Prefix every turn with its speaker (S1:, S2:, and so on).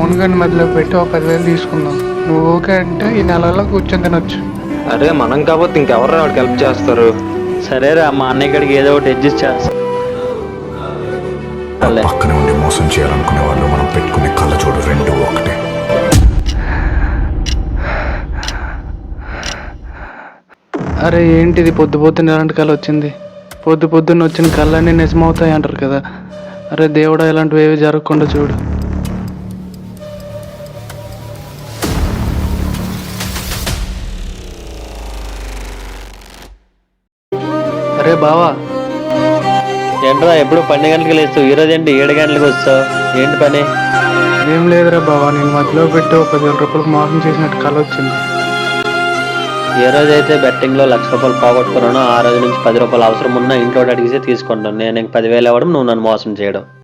S1: మౌన్ గని మధ్యలో పెట్టి ఒక 10,000 తీసుకుందాం. నువ్వు ఓకే అంటే ఈ నెలలో కూర్చొని తినొచ్చు.
S2: అరే మనం కాబట్టి ఇంకెవరు వాడికి హెల్ప్ చేస్తారు?
S3: సరేరా, మా అన్నయ్య గడికి ఏదో ఒకటి అడ్జస్ట్ చేస్తా.
S4: పక్కనే ఉండి మోసం చేయాలనుకునే వాళ్ళు మనం పెట్టుకునే కళ్ళజోడు రెండు ఒకటే.
S1: అరే ఏంటిది పొద్దు పొద్దున్న ఎలాంటి కళ వచ్చింది? పొద్దు పొద్దున్న వచ్చిన కళ్ళన్నీ నిజమవుతాయి అంటారు కదా. అరే దేవుడా, ఇలాంటివి ఏవి జరగకుండా చూడు. అరే బావా,
S3: ఏంట్రా ఎప్పుడు 12 గంటలకు లేస్తావు? ఈరోజు ఏంటి 7 గంటలకు వస్తావు? ఏంటి పని?
S1: ఏం లేదురా బావా, నేను మధ్యలో పెట్టి ఒక 10,000 రూపాయలకు మోసం చేసినట్టు కళ వచ్చింది.
S3: ఏ రోజైతే బెట్టింగ్లో 1,00,000 రూపాయలు పోగొట్టుకున్నానో ఆ రోజు నుంచి 10 రూపాయలు అవసరం ఉన్నా ఇంట్లో అడిగితే తీసుకుంటాను. నేను 10,000 ఇవ్వడం, నువ్వు నన్ను మోసం చేయడం.